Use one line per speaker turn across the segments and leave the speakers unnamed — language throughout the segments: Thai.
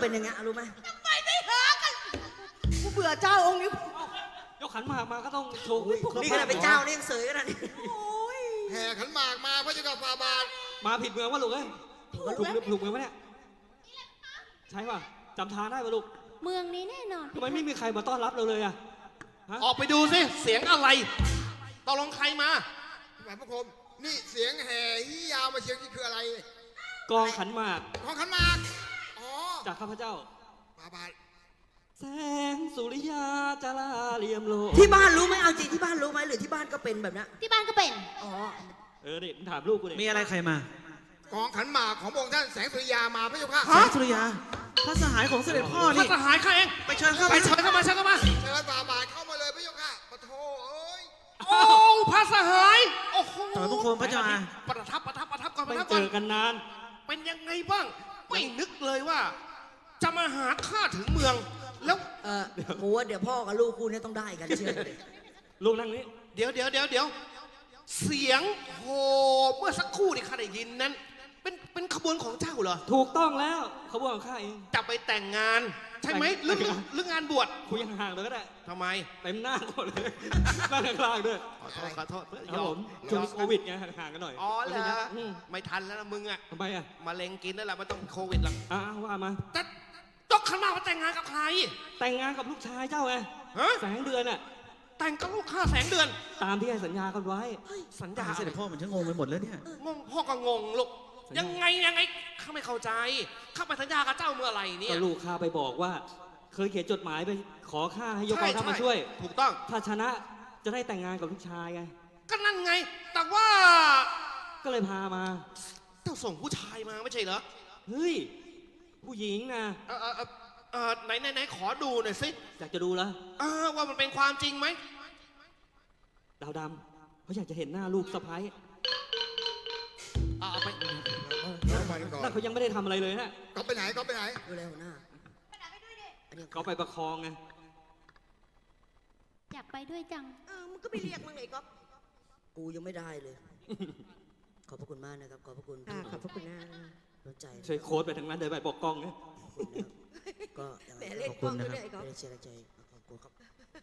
เป็นยังไงรู้ไหม
ทำไมไม่หากันกูเบื่อเจ้าองค์นี้
ยกขันหมากมาก็ต้องโชว์
นี่ขนาดเป็นเจ้านี่ยังเสยขนาดนี้
โอ้ย
แห่ขันหมากมาพระเจ้ากับฟาบาท
มาผิดเมืองวะลูกเอ้ย
ถูกแล้ว
ถูกเมืองวะเนี่ยใช่ป่ะจำทางได้ป่ะลูก
เมืองนี้แน่นอน
ทำไมไม่มีใครมาต้อนรับเราเลยอะฮะ
ออกไปดูสิเสียงอะไรตกลงใครมา
หมายพระคมนี่เสียงแห่ที่ยาวมาเชียงนี่คืออะไร
กองขันหมาก
ของขันหมากอ๋อ
จากข้าพเจ้า
ฟาบาท
แสงสุริยาจาราเรียมโล
ที่บ้านรู้ไหมเอาจริงที่บ้านรู้ไหมหรือที่บ้านก็เป็นแบบนี้
ที่บ้านก็เป็น
อ๋อ
เด็กถามลูกกูเด็ก
มีอะไรใครมา
กองขันหมากของพระองค์ท่านแสงสุริยามาพระเจ้าค่ะ
แสงสุริยาพระสหายของเสด็จพ่อ
พระ
นี่
สหายข้าเอง
ไปเชิญเข้า
ไปเชิญเข้ามาเชิญเข้ามา
เชิญฟาบาทเข้ามาเลยพระเจ้าค่ะปะโถเอ้ย
โอ้พระสหายโอ้โห
ถอยพระโคมพระเจ้าอา
ประทับก่อนประ
ไม่
ทับ
เจ
ก่อน
อกันนาน
เป็นยังไงบ้างไม่นึกเลยว่า จะมาหาข้าถึงเมือง แล้ว
กูว่าเดี๋ยวพ่อกับลูกกูเนี่ยต้องได้กันเชื่อเลย
ลูกนั่งนี้
เดี๋ยวเสียงโหเมื่อสักครู่ที่ข้าได้ยินนั้น เป็นขบวนของเจ้าเหรอ
ถูกต้องแล้วขบวนของข้าเอง
จะไปแต่งงาน ใช่ไหมหรืองานบวช
คุยห่างๆเลยก็ได้
ทำไม
เต็มหน้าหมดเลยนั่งข้างล่างด้วย
ขอโทษ
ครับผมช่วงนี้โควิดไงห่างๆกันหน่อย
อ๋อเหรอ
อืม
ไม่ทันแล้วนะมึงอะ
ทำไมอะ
มะเร็งกินนั่นแหละมันต้องโควิดหรอก
ว่ามา
แต่ต้องขนาดว่าแต่งงานกับใคร
แต่งงานกับลูกชายเจ้าไง
ฮะ
แสงเดือนน่ะ
แต่งกับลูกข้าแสงเดือน
ตามที่ให้สัญญากันไว้
สัญญา
เสด็จพ่อเหมือนฉันงงไปหมดแล้วเนี่ย
งงพ่อก็งงลูกยังไงข้าไม่เข้าใจข้าไปสัญญากับเจ้าเมื่อไหร่เนี่ย
ก็ลูกข้าไปบอกว่า เคยเขียนจดหมายไปขอข้าให้ยกกองทัพมาช่วย
ถูกต้อง
ถ้าชนะจะได้แต่งงานกับลูกชายไง
ก็นั่นไง แต่ว่า
ก็เลยพามา
เจ้าส่งผู้ชายมาไม่ใช่เหรอ
เฮ้ย ผู้หญิงนะ
ไหนขอดูหน่อยสิ
อยากจะดูแล้ว
ว่ามันเป็นความจริงไหม
ดาวดำเขาอยากจะเห็นหน้าลูกสะพ้าย
เอาไป
เข้ามาก่อน
นั่นเขายังไม่ได้ทำอะไรเลยนะ
ก็ไปไหนก็ไปไหน
ดูแลหัวหน้าอันนี้
เขาไปประคองไง
อยากไปด้วยจัง
มึงก็ไปเรียกมึงไงก๊อฟ
กูยังไม่ได้เลย ขอบพระคุณมากนะครับ ขอบพระคุณ
ขอบพระคุณนะ
น้ำใจ
ช่วยโค้ดไปทางนั้นเดินไปบอกกล้องนะ
ก็ยัง
แหม
ไง
เล่นกล้องด้วยไอ้ก๊อฟ
ไม่ได้เชียร์ใจขอบคุณครับ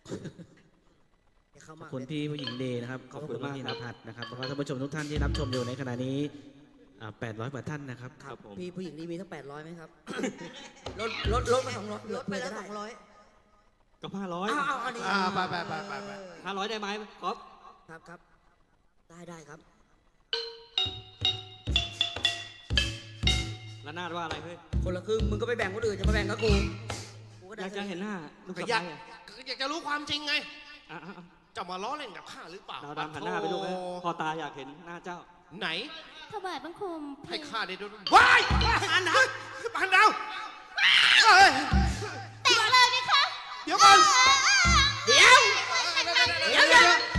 เข้า
ข
มา
อบคุณพี่ผู้หญิงเดย์นะครับ ขอบคุณพี่นภัสนะครับแล้วก็ท่านผู้ชมทุกท่านที่รับชมอยู่ในขณะนี้800 กว่าท่านนะครับ
ครับผม
พี่ผู้หญิงนี่มีทั้ง800ไหมครับ ลดมา200
ลดไปแล้ว200
ก็500
เอาอันนี้
ไป
500ได้ไหมก๊อฟ
ครับได้ครับ
แล้วนาดว่าอะไรเฮ้ย
คนละครึ่งมึงก็ไปแบ่งคนอื่นจะมาแบ่งกับกูก็
อ
ได้
ยากจะเห็นหน้าลูก
ก็
สะ
อยาก
พ้ายอะ
อยากจะรู้ความจริงไง
อ่ะ
จะมาล้อเล่นกับข้าหรือเปล่า
ดาวดำหันหน้าไปลูกนะพอตาอยากเห็นหน้าเจ้า
ไหน
ถวายบังคมเพ
ให้
ลง
ข้าได้ดูว้ายปานดาวปานดาวเอ้ย
แต่งเลยไหมคะ
เดี๋ยวก่อน
เดี๋ยว
เดี๋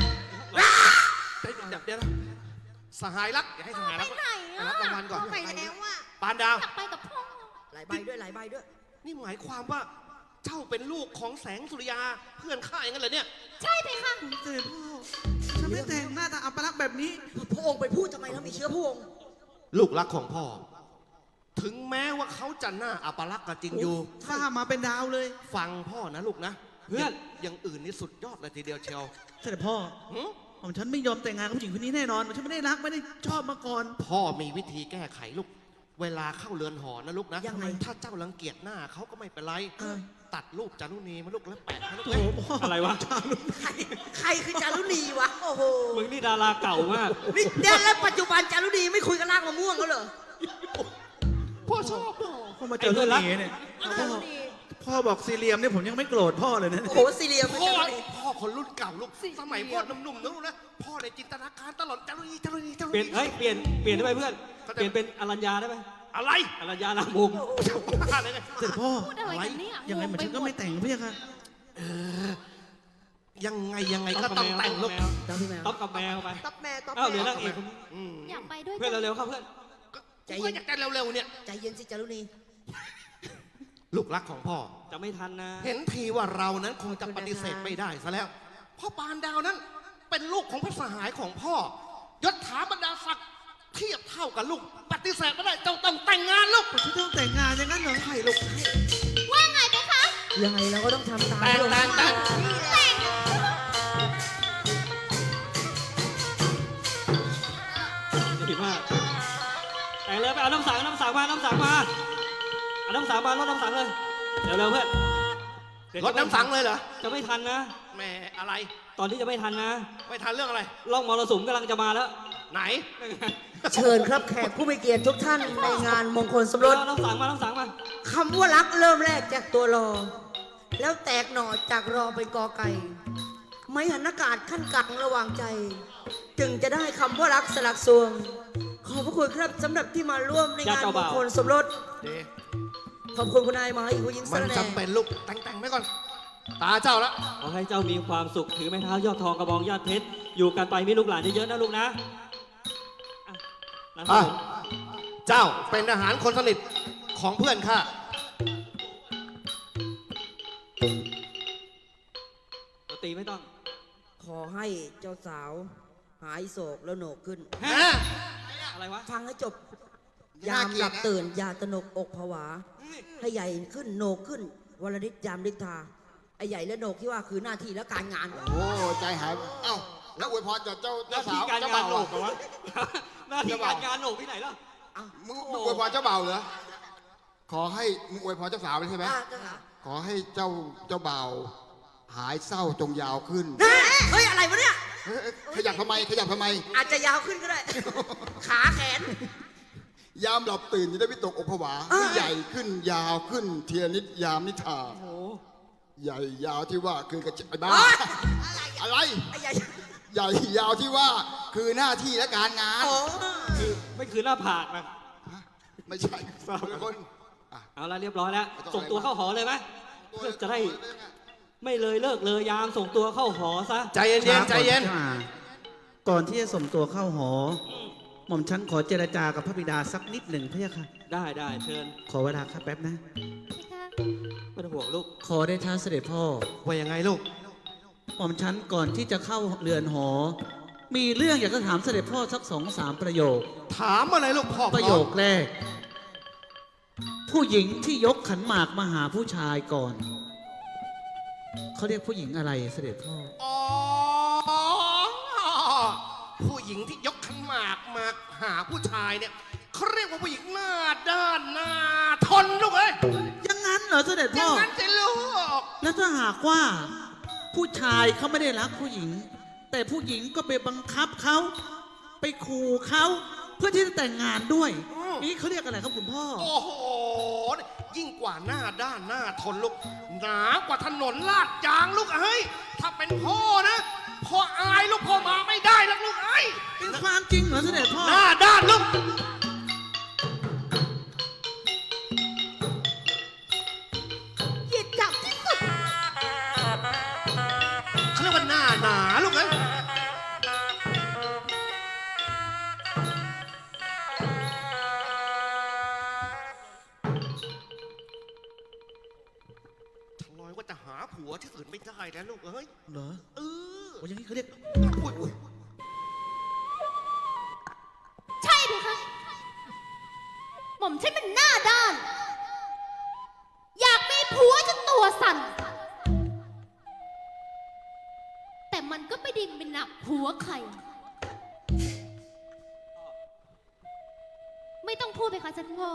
ยวนะสหายรักอย่าให้สหายรัก
ไปไหนอ่ะ
รับรางวัลก่อน
ไปแล้วอ่ะ
ปานดาว
อยากไปกับพ่อ
หลายใบด้วย
นี่หมายความว่าเจ้าเป็นลูกของแสงสุริยาเพื่อนข้าอย่างนั้นเหรอเนี่ย
ใช่ไหมคะ
เสด็จพ่อฉันไม่แต่งหน้าตาอัปลักษณ์แบบนี้
พระองค์ไปพูดทำไมแล้วมีเชื้อพระองค์
ลูกรักของพ่อ ถึงแม้ว่าเขาจะหน้าอัปลักษณ์ก็จริงอยู่
ฟ้ามาเป็นดาวเลย
ฟังพ่อนะลูกนะ
เพื่อน
อย่างอื่นนี่สุดยอดเลยทีเดียวเชียว
เสด็จพ่อ
หึ
ผมฉันไม่ยอมแต่งงานกับผู้หญิงคนนี้แน่นอนฉันไม่ได้รักไม่ได้ชอบมาก่อน
พ่อมีวิธีแก้ไขลูก เวลาเข้าเรือนหอนะลูกนะ
ยังไง
ถ้าเจ้ารังเกียจหน้าเขาก็ไม่เป็นไร
เออ
ตัดรูปจารุณีมาลูกแล้วแปะให้ลูก
โถ
เลย
พ่อ
อะไรวะ
ใครคือจารุณีวะ โอ้โห
มึงนี่ดาราเก่ามาก
นี่เดี๋ยวแล้วปัจจุบันจารุณีไม่คุยกับรากมะม่วงแล้วเหรอ
พ่อชอบ
พ่อมาเจอเรื่องนี้เนี่ยพ่อบอกซีเรียมเนี่ยผมยังไม่โกรธพ่อเลยนะ
โอ้โหซีเรียมไม่
พ่อ
จารุณี
พ่อคนรุ่นเก่าลูก สมัยพ่อหนุ่มๆนะลูกนะ พ่อในจินตนาการตลอดจารุณี
เปลี่ยนเปลี่ยนได้ไหมเพื่อน เปลี่ยนเป็นอรัญญาได้ไหม
อะไร
อรัญญานามวงศ์
อะไรเนี่ย
เสด็จพ่อ
พูดอะไรกันเนี่ย
ยังไงเหมือนฉันก็ไม่แต่งพี่ค่ะ
ยังไงก็ต้องแต่งลูก
เจ้าพี่แมว
ต๊อบกับแมวไป
ต๊อปแม่ต๊อป
เอ้าเหลือ
แม่
นางเอกคนนี้
อืม
อยากไปด้วย
เพื่อน
จัง
เร็วๆเข้าเพื่อน
ใจเย็นอยากจะเร็วๆเนี่ย
ใจเย็นสิจารุณี
ลูกรักของพ่อ
จะไม่ทันนะ
เห็นทีว่าเรานั้นคงจะปฏิเสธไม่ได้ซะแล้ว พ่อปานดาวนั้นเป็นลูกของพระสหายของพ่อยศถาบรรดาศักดิ์เทียบเท่ากับลูก ปฏิเสธไม่ได้เจ้าต้องแต่งงานลูก
ฉันต้องแต่งงานอย่างนั้นเหรอ
ใช่ลูก
ว่าไงไปคะ
ยังไงเราก็ต้องทำตาม
แต่ง
ที่เรา
แต่งแต่ง
ดีมากแต่งเลยไปเอาน้ำสังมา น้ำสังมาเอาน้ำสังมารดน้ำสังเลย เร็วเพื่อนเดี๋ยว
รถน้ำสังเลยเหรอ
จะไม่ทันนะ
แหม่อะไร
ตอนที่จะไม่ทันนะ
ไม่ทันเรื่องอะไร
ล่องมรสุมกำลังจะมาแล้ว
ไหน
เชิญครับแขกผู้มีเกียรติทุกท่านในงานมงคลสมรส
เอาน้ำสังมา
คำว่ารักเริ่มแรกจากตัวรอ แล้วแตกหน่อจากรอเป็นกอไก่ ไม่หันอากาศขั้นกลางระหว่างใจ จึงจะได้คำว่ารักสลักสวง ขอบพระคุณครับสำหรับที่มาร่วมในงานมงคลสมรส
เด
ขอบคุณคุณนายมาอีกผู้หญิงส
มัน
ระแหน่
จำเป็นลูก แต่งไว้ก่อน ตาเจ้าละ
ขอให้เจ้ามีความสุขถือไม้เท้ายอดทองกระบองยอดเพชรอยู่กันไปมีลูกหลานเยอะๆนะลูกนะอ่ะหลาน
อ่ะ
ผม
เจ้าเป็นทหารคนสนิทของเพื่อนข้า
ตัวตีไม่ต้อง
ขอให้เจ้าสาวหายโศกแล้วโหนกขึ้น
ฮะ
อะไรวะ
ฟังให้จบ ยามหลับตื่น อย่าตระหนกอกผวา ให้ใหญ่ขึ้นโหนกขึ้นวรนิตยามฤทธาไอ้ใหญ่และโหนกที่ว่าคือหน้าที่และการงาน
โอ้ใจหายเอ้าแล้วอวยพรจากเจ้า
หน้า
สา
ที่
ว
การ
เจ้าง
าน
บ่าว
โหนกเหรอวะหน้าที่การงานโหนกที่ไหนล่ะ
มึงอวยพรเจ้าบ่าวเหรอขอให้มึงอวยพรเจ้าสาวเลยใช่ไหม ขอให้เจ้าบ่าวหายเศร้าจงยาวขึ้น
เฮ้ย อะไรวะเนี่ย
เฮ้ยขยับทำไมขยับทำไม
อาจจะยาวขึ้นก็ได้ ขาแขน
ยามหลับตื่นจะได้วิตกอกผวาให้ใหญ่ขึ้นยาวขึ้นเทียนิดยามนิทา
โอ้โห
ใหญ่ยาวที่ว่าคือกระจายบ้า
โอ๊ย
อะไร
ไอ้ใหญ่
ใหญ่ยาวที่ว่าคือหน้าที่และการงาน
โอ้
ไม่คือหน้าผากนะ
ไม่ใช่คนละคนอ่ะ
เอาละเรียบร้อยแล้ว
ไม่ต้อง
ส่งตัวเข้าหอเลยไหม
ตัว
เพื่อจะได้ไม่เลยเลิกเลยยามส่งตัวเข้าหอซะ
ใจเย็นๆใจเย็น
ก่อนที่จะส่งตัวเข้าหอ หม่อมฉันขอเจรจากับพระบิดาสักนิดหนึ่งพะยะค่ะ
ได้เชิญ
ขอเวลาครับแป๊บนะ
พี่คะ
ไม่ต้องห่วงลูก
ขอได้ท้าเสด็จพ่อ
ว่ายังไงลูก
หม่อมฉันก่อนที่จะเข้าเรือนหอ มีเรื่องอยากจะถามเสด็จพ่อสัก2-3 ประโยค
ถามอะไรลูกพ่อ
ประโยคแรก ผู้หญิงที่ยกขันหมากมาหาผู้ชายก่อน เขาเรียกผู้หญิงอะไรเสด็จพ่อ
อ๋อ ผู้หญิงที่ยกขันหมากมาหาผู้ชายเนี่ยเขาเรียกว่าผู้หญิงหน้าด้านหน้าทนลูกเอ้ย
อย่างนั้นเหรอเสด็จ
อย่า
พ่อ
งนั้นสิลูก
แล้วถ้าหากว่าผู้ชายเขาไม่ได้รักผู้หญิง แต่ผู้หญิงก็ไปบังคับเขาไปขู่เขาเพื่อที่จะแต่งงานด้วย นี่เขาเรียกอะไรครับคุณพ่อ
โอ้โห ยิ่งกว่าหน้าด้านหน้าทนลูก หนากว่าถนนลาดยางลูกเอ้ย ถ้าเป็นพ่อนะพ่ออายลูกพ่อมาไม่ได้แล้วลูกเอ้ย
เป็นความจริงเหรอเสด็จพ่อ
หน้าด้านลูก
หยิบจับที่สุด
เขาเรียกว่าหน้าหนาลูกเอ้ย ทลอยว่าจะหาผัวที่อื่นไม่ได้แล้วลูกเอ้ย
เหรอ
เออ
โอ้ยอย่างนี้เขาเรียก
อุ๊ย
ใช่พี่คะหม่อมฉันเป็นหน้าด้าน อยากมีผัวจนตัวสั่น แต่มันก็ไม่ไดิ้เป็นหนักผัวใคร ไม่ต้องพูดไปคะท่านพ่อ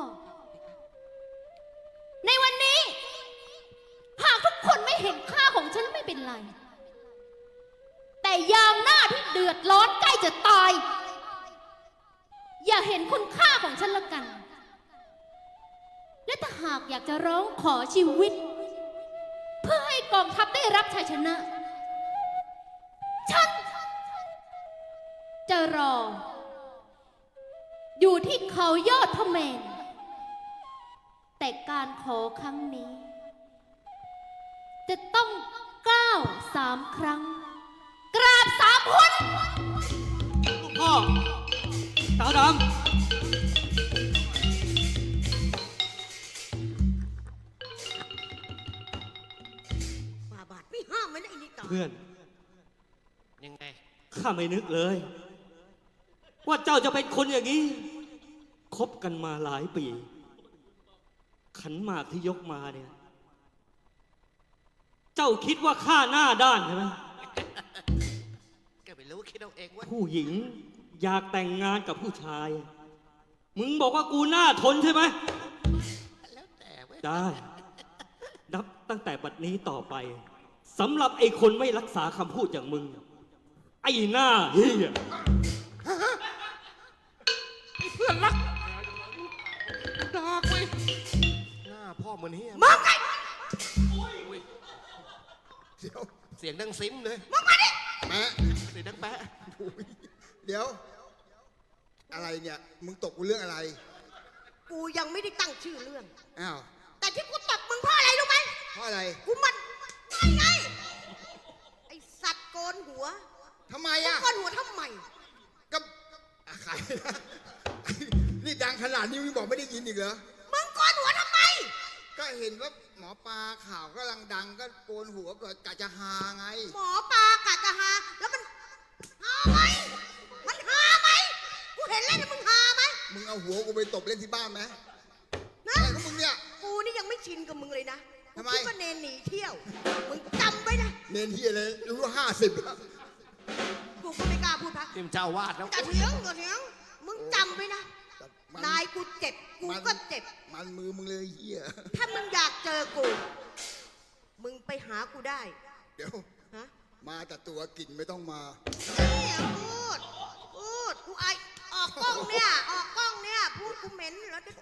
ในวันนี้ หากทุกคนไม่เห็นค่าของฉันไม่เป็นไร แต่ยามหน้าที่เดือดร้อนใกล้จะตาย อย่าเห็นคุณค่าของฉันละกัน และถ้าหากอยากจะร้องขอชีวิต เพื่อให้กองทัพได้รับชัยชนะ ฉันจะรอ อยู่ที่เขายอดพระเมรุแต่การขอครั้งนี้ จะต้องก้าว3 ครั้ง กราบ3 คน
ลูกพ่อสาวด
ฝ่าบาทไม่ห้ามไม่ได้ไอ้นี่ต่อ
ำเพื่อน
ยังไง
ข้าไม่นึกเลยว่าเจ้าจะเป็นคนอย่างนี้คบกันมาหลายปี ขันหมากที่ยกมาเนี่ย เจ้าคิดว่าข้าหน้าด้านใช่ไหม
แกไม่รู้คิดเอาเองเว้ย
ผู้หญิงอยากแต่งงานกับผู้ชาย มึงบอกว่ากูหน้าทนใช่ไหม
แล้วแต่เว้ย
ได้ นับตั้งแต่บัดนี้ต่อไปสำหรับไอ้คนไม่รักษาคำพูดอย่างมึง ไอ้หน้าเฮีย
เพื่อนรักดากเว้ยหน้าพ่อเหมือนเฮีย
มึงไง
เดี๋ยว
เสียงดังซิมเลย
มึงมาดิ
แม่
เสียงดังแปะ
โอ้ยเดี๋ยว อะไรเนี่ย มึงตกกูเรื่องอะไร
กูยังไม่ได้ตั้งชื่อเรื่อง
อ้าว
แต่ที่กูตบมึงเพราะอะไรรู้ไหม
เพราะอะไร
กูมันไงไอสัตว์โกนหัว
ทำไม
มึง
อ่ะ
โกนหัวทำไม
ก็ใครนะนี่ดังขนาดนี้มึงบอกไม่ได้ยินอีกเหรอ
มึงโกนหัวทำไม
ก็เห็นว่าหมอปลาข่าวกำลังดังก็โกนหัวก็กะจะฮาไง
หมอปลากะจะหาแล้วมันหาไหมมันหาไหมกูเห็นแล้วนะมึงหาไหม
มึงเอาหัวกูไปตบเล่นที่บ้านไหม
นะ
อะไรของมึงเนี่ย
กูนี่ยังไม่ชินกับมึงเลยนะ
ทำไม
กูคิดว่าเนนหนีเที่ยว มึงจำไว้นะ
เนนที่อะไรรู้ว่า50แล้ว
กูก็ไม่กล้าพูดพัก
ทีมเจ้าวาดแล้ว
จะเถียงก็เถียงมึงจำไว้นะ
มัน
นายกูเจ็บ กูก็เจ็บ
มันมือมึงเลยเฮีย
ถ้ามึงอยากเจอกู มึงไปหากูได้
เดี๋ยว
ฮะ
มาแต่ตัวกลิ่นไม่ต้องมา
เนี่ยพูด กูไอายออกกล้องเนี่ย ออกกล้องเนี่ย พูดกูเหม็นแล้วเดี๋ยว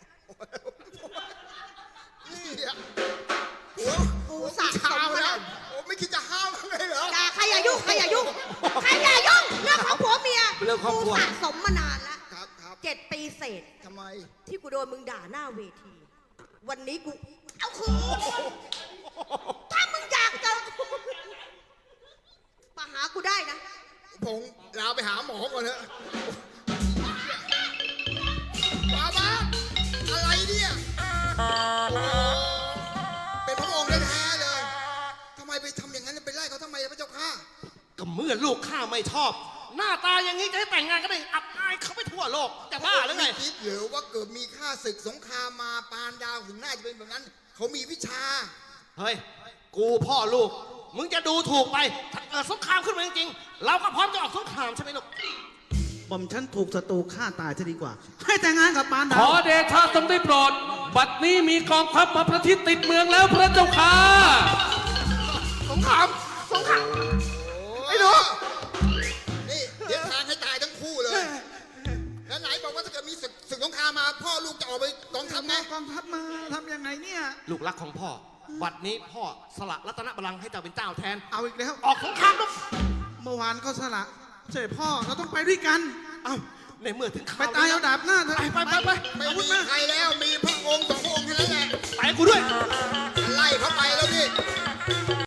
นี่อะหัว
กูสะสม
เช้า
มา
แล้
แล้ว ว
โอ้ไม่คิดจะห้ามเลยเหรอ
อย่าใครอย่ายุ่งใครอย่ายุ่งใครอย่ายุ่งเรื่องของผัวเมีย
เรื่องครอบครัว
กูสะสมมานานแล้ว
ครับครับ
7 ปีเศษ
ทำไม
ที่กูโดนมึงด่าหน้าเวที วันนี้กู เอาคืนถ้ามึงอยากเจอกูมาหากูได้นะ
ผมลาไปหาหมอก่อนเถอะมาบ้าอะไรเนี่ยโอ้เป็นพระองค์แท้ๆเลยทำไมไปทำอย่างนั้นไปไล่เขาทำไมพระเจ้าข้า
ก็เมื่อลูกข้าไม่ชอบ หน้าตาอย่างนี้จะให้แต่งงานก็ได้อับอายเขาไปทั่วโลกจะบ้าหรือไง
ม่คิดหรือว่าเกิดมีข้าศึกสงครามมาปานดาวถึงน่าจะเป็นแบบนั้น เขามีวิชา
เฮ้ย กูพ่อลูก มึงจะดูถูกไป ถ้าเกิดสงครามขึ้นมาจริงๆ เราก็พร้อมจะออกสงครามใช่ไหมลูก
หม่อมฉันถูกศัตรูฆ่าตายจะดีกว่า ให้แต่งงานกับปานดา
ข
ว
อเดชะทรงได้โปรด บัดนี้มีกองทัพมาประชิดติดเมืองแล้วพระเจ้าค่ะ
สงคราม สงคราม
ไอ้หนูนี่เดี๋ยวทางให้ตายทั้งคู่เลย แล้วไหนบอกว่าถ้าเกิดมีศึกสงครามมา พ่อลูกจะออกไปกองทัพไง
กองทัพมาทำยังไงเนี่ย
ลูกรักของพ่อ บัดนี้พ่อสละรัตนบัลลังก์ให้เจ้าเป็นเจ้าแทน
เอาอีกแล้ว
ออกสงครามลูก
เมื่อวานก็สละเสด็จพ่อเราต้องไปด้วยกัน
เอ้าในเมื่อถึงข่ว
ไปตายเอาดาบหน้าเถอะ
ไป